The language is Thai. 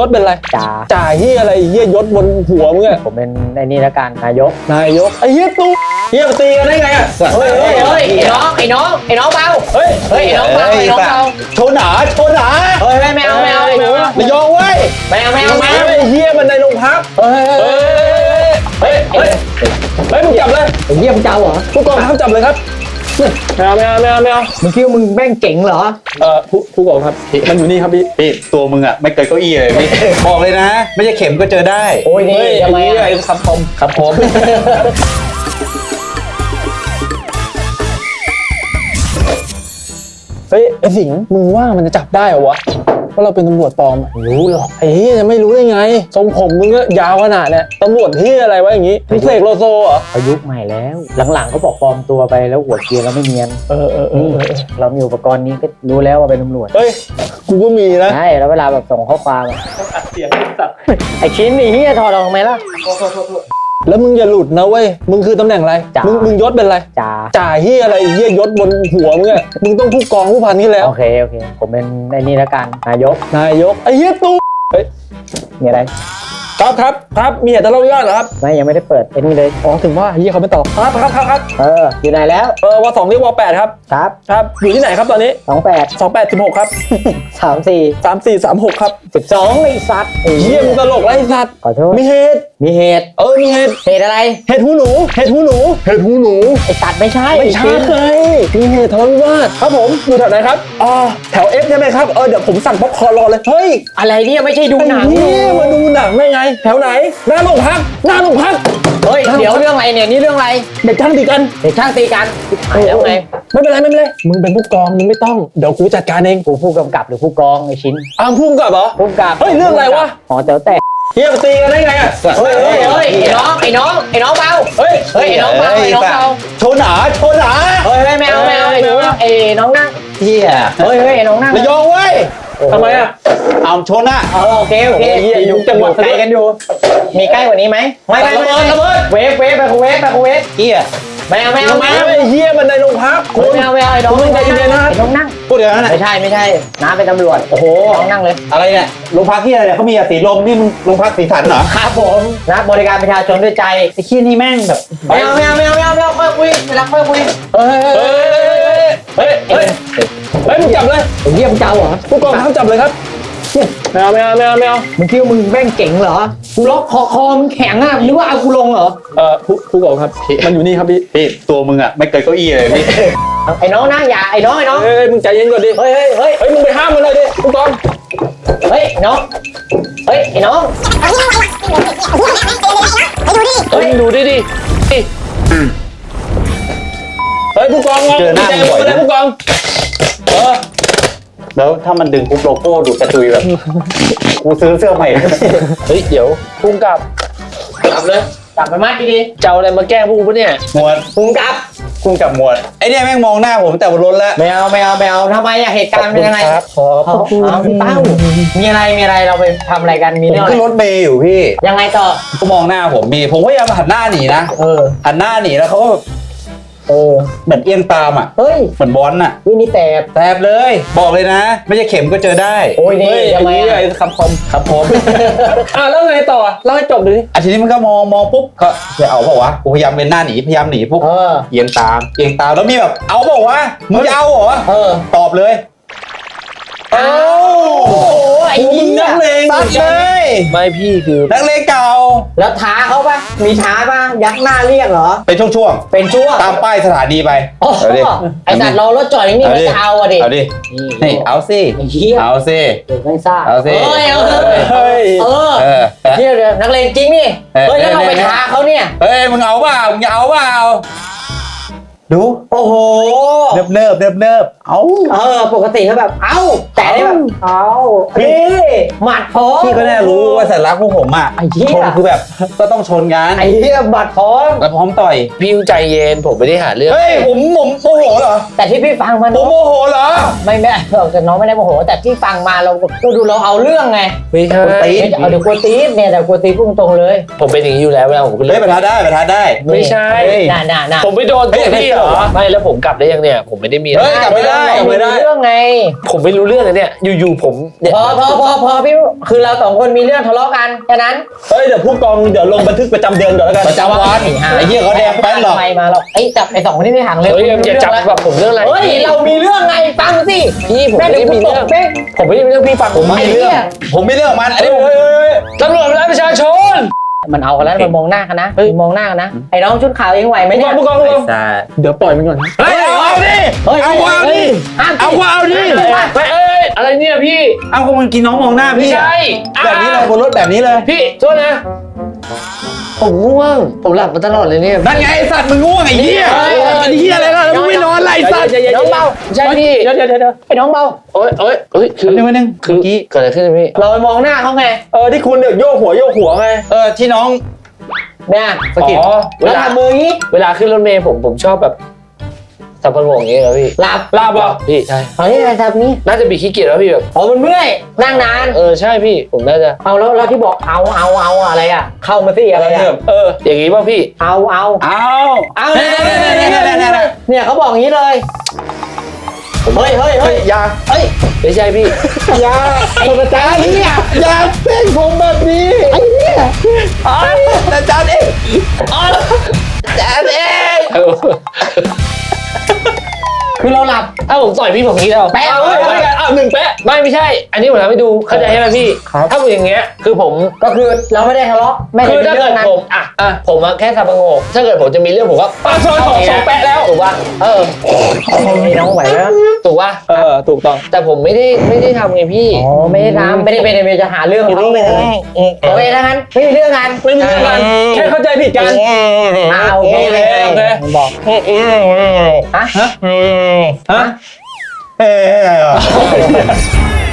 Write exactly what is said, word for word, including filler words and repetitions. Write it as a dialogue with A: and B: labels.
A: ศเป็นอะไร
B: จ่า
A: จ่าเฮียอะไรเฮียยศบนหัวมึงอะ
B: ผมเป็นไอ้นี่ละกันนายก
A: นายกไอ้เฮียตู้เฮียมาตีกันได้ไงอะ
B: เฮ้ยเฮ้ยเฮ้ยไอ้น้องไอ้น้องไอ้น้องเบา
A: เฮ้ย
B: เฮ้ยไอ้น้องเบาไอ้น้องเบา
C: โชว์หนาโชว์หนา
B: เฮ้ยไม่เอาไม่เอาไม่เอา
C: ระยองเว้ย
B: ไม่เอาไม่เอาไม่เอา
A: ไอ้เฮียมันในโรงพัก
B: เฮ้ย
A: เฮ้ยเฮ้ยเฮ้ยมึงจับเลย
B: ไอ้เหี้ยมึงเจ้าเหรอ
A: ผู้กองทัพจับเลยครับไม่เอาไม่เอาไม่เอาไม่เอา
B: มึงคิดว่ามึงแม่งเก่งเหรอ
A: เออผู้ผู้กองครับมันอยู่นี่ครับพี่
C: พี่ตัวมึงอ่ะไม่เกินเก้าอี้เลยพี่บอกเลยนะไม่ใช่เข็มก็เจอได้
B: โอ้ยนี่ทำไมอ่ะ
A: ครับผมครับผมเฮ้ยไอ้สิงห์มึงว่ามันจะจับได้เหรอวะว่าเราเป็นตำรวจปลอมรู้หรอกไอ้เหี้ยจะไม่รู้ได้ไงทรงผมมึงก็ยาวขนาดเนี่ยตำรวจเหี้ยอะไรวะอย่างงี้มึงเสกโลโซเหรอ
B: อายุใหม่แล้วหลังๆเขาบอกปลอมตัวไปแล้วหัวเกียร์แล้วไม่เนียน
A: เออเออเออ
B: เรามีอุปกรณ์นี้ก็รู้แล้วว่าเป็นตำรวจ
A: เฮ้ยกูก็มีนะ
B: ใช่แล้วเวลาแบบส่งข้อความ
A: อัดเสียงสัตว์
B: ไอ้ชิ้นนี่เฮียถอดออกไหมล่ะ
A: แล้วมึงอย่าหลุดนะเว้ยมึงคือตำแหน่งอะไรมึงมึงยศเป็นอะไร
B: จ่า
A: จ่าเหี้ยอะไรเหี้ยยศบนหัวมึงอะมึงต้องผู้กองผู้พันนี่แล้ว
B: โอเคโอเคผมเป็นไอ้นี่ละกันนายก
A: นายกไอ้เหี้ยตู้เฮ้ย
B: มีอะไร
A: ครับครับครับมีเหตุทะเลาะวิวาทเหรอครับ
B: ไม่ยังไม่ได้เปิดไอ้นี่เลย
A: อ๋อถึงว่าเหี้ยเขาไม่ตอบครับครับครับครับ
B: เอออยู่ไหนแล้ว
A: เออวสองเรียกวแปดครับ
B: ครับ
A: ครับอยู่ที่ไหนครับตอนนี้
B: สองแปด
A: สองแปดสิบหกครับ
B: สามสี่
A: สามสี่สามหกครับ
B: สิบสองไอ้สัตว์
A: เหี้ยมึงตลกไรสัตว์
B: ขอโทษ
A: มีเหตุ
B: มีเหตุ
A: เออมีเหตุ
B: เหตุอะไร
A: เหตุหูหนูเหตุหูหนูเหตุหูหนู
B: ไอ้สัตว์ไม่ใช่
A: ไม่ใช่มีเหตุทะเลาะวิวาทครับผมอยู่แถวไหนครับอ๋อแถวเอฟใช่ไหมครับเออเดี๋ยวผมสั่งป๊อปคอร์นรอเลยเฮ้ย
B: อะไรเนี่ยไม่ใช่ดูหนัง
A: นี่มาดูหนังได้ไงแถวไหนหน้าโรงพักหน้าโรงพัก
B: เฮ้ยเดี๋ยวเรื่องอะไรเนี่ยนี่เรื่องอะไร
A: เด็กช่างตีกัน
B: เด็กช่างตีกันแล้วไง
A: ไม่เป็นไรไม่เป็นไรมึงเป็นผู้กองมึงไม่ต้องเดี๋ยวกูจัดการเอง
B: กูผู้กำกับหรือผู้กองไอ้ชิ้น
A: อ้าวผู้กำกับเหรอ
B: ผู้กำกับ
A: เฮ้ยเรื่องอะไรวะ
B: อ๋อเจ้าแต่
A: เฮียตีกันได้ไงอ่ะ
B: เฮ้ยเฮ้ยเฮ้ยไอ้น้องไอ้น้องไอ้น้องเบาเฮ้ยเฮ้ยไอ้น้องเบาไอ้น้องเบา
C: โชว์หนาโชว์หนา
B: เฮ้ยไม่เอาไม่เอาไอ้น้องไอ้น้องนั่ง
C: เฮีย
B: เฮ้ยเฮ้ยไอ้น้องนั่ง
C: ระยองเว้ย
A: ทำไมอ่ะ
C: เอาโชว์หน้า
B: เออโอเคโอเค
A: อยู่จังหวัด
B: ไกลกันอยู่มีใกล้กว่านี้ไหมไม่ไม่ไม่เวฟเวฟไปคูเวฟไปคูเวฟ
C: เฮีย
B: ไม่เอาไม่เอาไม่เอา
A: ไอ้เฮียมันในโรงพัก
B: คุณไม่เอาไม่เอาไอ้น้อง
A: ใจเย็นนะ
B: ไอ้น้องนั่ง
C: พูดอย่างนั้น
B: ไม่ใช่ไม่ใช่น้าเป็นตำรวจ
C: โอ้โห
B: น้องนั่งเลย
C: อะไรเนี่ยโรงพักที่อะไรเนี่ยเขามีสีลมนี่มึงโรงพักสีสันเหรอ
B: ครับผมนะบริการประชาชนด้วยใจ
C: ไอ้ขี้นี่แม่งแบบ
B: ไม่เอาไม่เอาไม่เอาไม่เอาไม่เอาค่อยคุยเวลาค่อยคุยเฮ้ย
A: เฮ้ยเฮ้ยเฮ้ยมึงจับเลย
B: เยี่ยมเจ้าเหรอ
A: ผู้กองทัพจับเลยครับไม่เอาไม่เอาไม่เอาไม่เอา
B: มึงคิดว่ามึงแม่งเก่งเหรอกูล็อกคอคอมึงแข็งอ่ะนึกว่าเอากูลงเหรอ
A: เออผู้ผู้กองครับมันอยู่นี่ครับพี่
C: พี่ตัวมึงอ่ะไม่เกินเก้าอี้เลยพี่
B: ไอ้น้องนะอย่าไอ้น้องไอ้น้อง
A: เฮ้ยมึงใจเย็นก่อนดิ
B: เฮ้ยเฮ้ยเฮ้ย
A: เฮ้ยมึงไปห้ามมันเลยดิผู้กอง
B: เฮ้ยน้องเฮ้ยไอ้น้อง
A: เฮ้ยดูดิดิเฮ้ยผู้กอง
C: เจอหน้าบ่อย
A: นะผู้กองเออ
C: แล้วถ้ามันดึงปุ๊บโลโก้ดูกระตุยแบบกูซื้อเสื้อใหม่
A: เฮ้ยเดี๋ยวพุ่งกลับ
B: กลับเลยกลับไปมัดดี
A: ๆเจ้าอะไรมาแกล้งพวกกูปะเนี่ย
C: หมวด
B: พุ่งกลับ
C: พุ่งกลับหมวดไอเนี่ยแม่งมองหน้าผมแต่บนรถแล้ว
B: ไม่เอาไม่เอาไม่เอาทำไมอะเหตุการณ์เป็นยังไง
A: ขอขอบคุณ
B: เอาพี่เต้ามีอะไรมีอะไรเราไปทำอะไรกันมีเรื่องอะไร
C: ขึ้นรถเมย์อยู่พี่
B: ยังไงต่อ
C: ก็มองหน้าผมมีผมก็พยายามหันหน้าหนีนะ
B: เออ
C: หันหน้าหนีแล้วเขาก็
B: เออ
C: เหมือนเอียงตามอ่ะ
B: เฮ้ย
C: เหมือนบอลน่ะ
B: วินี่แสบ
C: แสบเลยบอกเลยนะไม่ใช่เข็มก็เจอได้
B: โอ้ยนี่
A: ทำไมไอ้คำคมคำคมอ่ะแล้วไงต่อเล่าให้จบดูดิ
C: อ่ะทีนี้มันก็มองมองปุ๊บก็จะเอาบอกว่ากูพยายามเป็นหน้าหนีพยายามหนีปุ๊บเอียงตามเอียงตามแล้วมีแบบเอาบอกว่ามึงจะเอาเหรอ
B: เออ
C: ตอบเลย
B: โอ้โหไอ้นี่
C: นักเลงตัดเลย
A: ไม่พี่คือ
C: นักเลงเก่า
B: แล้วท้าเขาปะมีท้าปะยักหน้าเรียกเหรอ
C: เป็นช่วง
B: ๆเป็นช่วง
C: ตามป้ายสถานีไป
B: เอาดิไอ้สัตว์รอรถจอดนี่ไม่จะเอาอ่ะดิ
C: เอาดินี่เอาสิเอาสิ
B: ไม่ทราบ
C: เอาสิ
B: เฮ้ยเออ
A: เฮ้ย
B: เออเดี๋ยวนักเลงจริงนี่เฮ้ยแล้วเราไปท้าเขาเนี่ย
C: เฮ้ยมึงเอาเปล่ามึงเอาเปล่าดู
B: โอ้โห
C: เนิบเนิบเนิบเนิบเอา
B: เออปกติเขาแบบเอ้าแต่ได้แบบเอาพี่หมัดพร้อม
C: พี่ก็แน่รู้ว่าสัญลักษณ์พวกผมอ่ะชนคือแบบก็ต้องชนกัน
B: ไอ้เหี้ยหมัดพร้อม
C: แล้วพร้อมต่อย
A: พี่ใจเย็นผมไม่ได้หาเรื่อง
C: เฮ้ยผมผมโมโหเหรอ
B: แต่ที่พี่ฟังมา
C: ผมโมโหเหรอ
B: ไม่ไม่แต่น้องไม่ได้โมโหแต่ที่ฟังมาเราก็ดูเราเอาเรื่องไง
A: ไม่ใช่
B: เอาเดี๋ยวกลัวตี๊ดเนี่ยแต่กลัวตี๊ดพุ่งตรงเลย
A: ผมเป็นอย่างนี้อยู่แล้วเวลาผม
C: เล่นประทะได้ประทะได้
A: ไม่ใช่
B: น่าน่าน่า
A: ผมไปโดนตัวพี่
D: เหรอไม่แล้วผมกลับได้ยังเนี่ยผมไม่ได้มี
C: เฮ้ยกลับไม่ได้กลับไม่ได้
B: เรื่องไง
D: ผมไม่รู้เรื่องเลยเนี่ยอยู่ๆผมเนี่ย
B: พอพอพอพอพี่คือเราสองคนมีเรื่องทะเลาะกันแค่นั้น
A: เฮ้ยเดี๋ยวผู้กองเดี๋ยวลงบันทึกประจำเดือนก่อนแล้วกัน
C: ประจำวันไอ้เหี้ยเขาแดงแป้นหรอก
B: ใครมาหรอกไอ้จับไอ้สองคนนี้ไม่ห่างเลย
D: เฮ้ยอย่าจับแบบผมเรื่องอะไร
B: เฮ้ยเรามีเรื่องไงฟังสิ
D: พี่ผม
B: แม่
D: ไม่
B: เดี๋ยว
D: ได้
B: กู
D: มี
B: ต
D: เรื่
B: ก
D: อง
B: เป๊ก
D: ผมไม่ได้มีเรื่องพี่ฟังผม
C: ไม่
D: ไม่
C: มี
D: ได้
C: เรื่องผมไม่เรื่องมันอันนี้
A: เฮ้ยเฮ้ยเฮ้ย
D: ตำรวจและประชาชน
B: มันเอากันแล้วมันมองหน้ากันนะมันมองหน้ากันนะไอ้น้องชุดขาวเองไหวไหม
A: ผู้ก
B: เนี่
A: อย งผู้กองผู้กอง
C: ใช่
A: เดี๋ยวปล่อยมันก่อนนะ
C: เฮ้ยเอาดิ
B: เฮ้ย
C: เอากูเอาดิ
B: ห้าม
C: เอากูเอาดิ
D: ไม่เอ้ยอะไรเนี่ยพี่
C: เอากูมันกินน้องมองหน้า
D: ไม่
C: พี่
D: ใช่
C: แบบนี้เลยบนรถแบบนี้เลย
D: พี่โทษนะ ผมง่วงผมหลับมาตลอดเลยเนี่ย
C: นั่นไงไอ้สัตว์มึงง่วงไอ้เหี้ยไอ้เหี้ยอะไรล่ะแล้วมึงไม่นอนไรสัตว์
B: น้องเบา
D: ใช่พี่
A: เดี๋ยวเดี๋ยวเดี๋ยวเดี๋ยว
B: ไอ้น้องเบา
D: โอ๊ยโอ๊ยโอ๊ยคือ
C: นึงนึง
D: คือเกิดอะไรขึ้นพี่
B: เราไปมองหน้าเขาไง
A: เออที่คุณเดี๋ยวโยกหัวโยกหัวไง
C: เออที่น้อง
B: เนี่ยสะกิด
D: อ๋อเว
B: แล้ว
D: ลา
B: ทำมืออย่างนี้
D: เวลาขึ้นรถเมล์ผมผมชอบแบบสับปะรดอย่างเงี้ยเหรอพี่
B: หลับ
A: ลาบเหรอ
D: พี่ใช่
B: เฮ้ยอะไรทำนี้
D: น่าจะบีขี้เกียจแล้วพี่แบบ
B: อ๋อมันเมื่อยนั่งนาน
D: เออใช่พี่ผมน่าจะ
B: เอาแล้วแล้วที่บอกเอาเอาเอาอะไรอ่ะ เข้ามาสิอะไรอ่ะ
A: เออ
D: อย่างงี้ป่ะพี่
B: เอาเอา
C: เอา
B: เอา
C: เนี่ยเนี่ยเนี่ยเนี่ยเนี่ยเนี่ย
B: เนี่ยเขาบอกอย่างนี้เลยเฮ้ยเฮ้ย
C: เฮ้
B: เฮ้
C: ย
B: ย
C: อยา
B: เฮ้ย
D: ไม่ใช่พี่
C: อยา
B: ไอ้อาจารย์เนี่ย
C: อยาเส้นผมแบบนี้ไอ้เนี่ยอาจารย์เองอาจารย์เอง
B: คือเราหลับ
D: ถ้าผมต่อยพี่ผมนี้แล้ว
B: แปะ
A: เอา
B: เฮ้ย
A: เฮ้ยเอาหนึ่งแปะ
D: ไม่ไม่ใช่ อันนี้ผมทำให้ดูเข้าใจใช่ไหมพี่ ถ้าผมอย่างเงี้ยคือผม
B: ก็คือเราไม่ได้ทะเลาะไม่ได้
D: คือ
B: มี
D: ถ้า
B: เรื่
D: เกิ
B: อง
D: ด
B: นั้น
D: ผมอ่ะอ่ะผมอะแค่สับปะงกถ้าเกิดผมจะมีเรื่องผมก็
A: ปาซอยสองสองแปะแล้ว
D: ถูกป่ะเออ
B: ไอ้น้องไหวไหม
D: ถูกป่ะ
A: เออถูกต้อง
D: แต่ผมไม่ได้ไม่ได้ทำไงพี่
B: อ๋อไม่ได้ทำไม่ได้ไม่ได้ไม่ได้จะหาเรื่องเขาไม่ได้โอเคถ้างั้นไม่มีเรื่องกัน
A: ไม่มีเรื่องกันแค่เข้าใจผิดกัน
B: อ่าโอเค
A: โอเคโอเค
B: บอกฮะ
A: ฮะ
C: เฮ้ย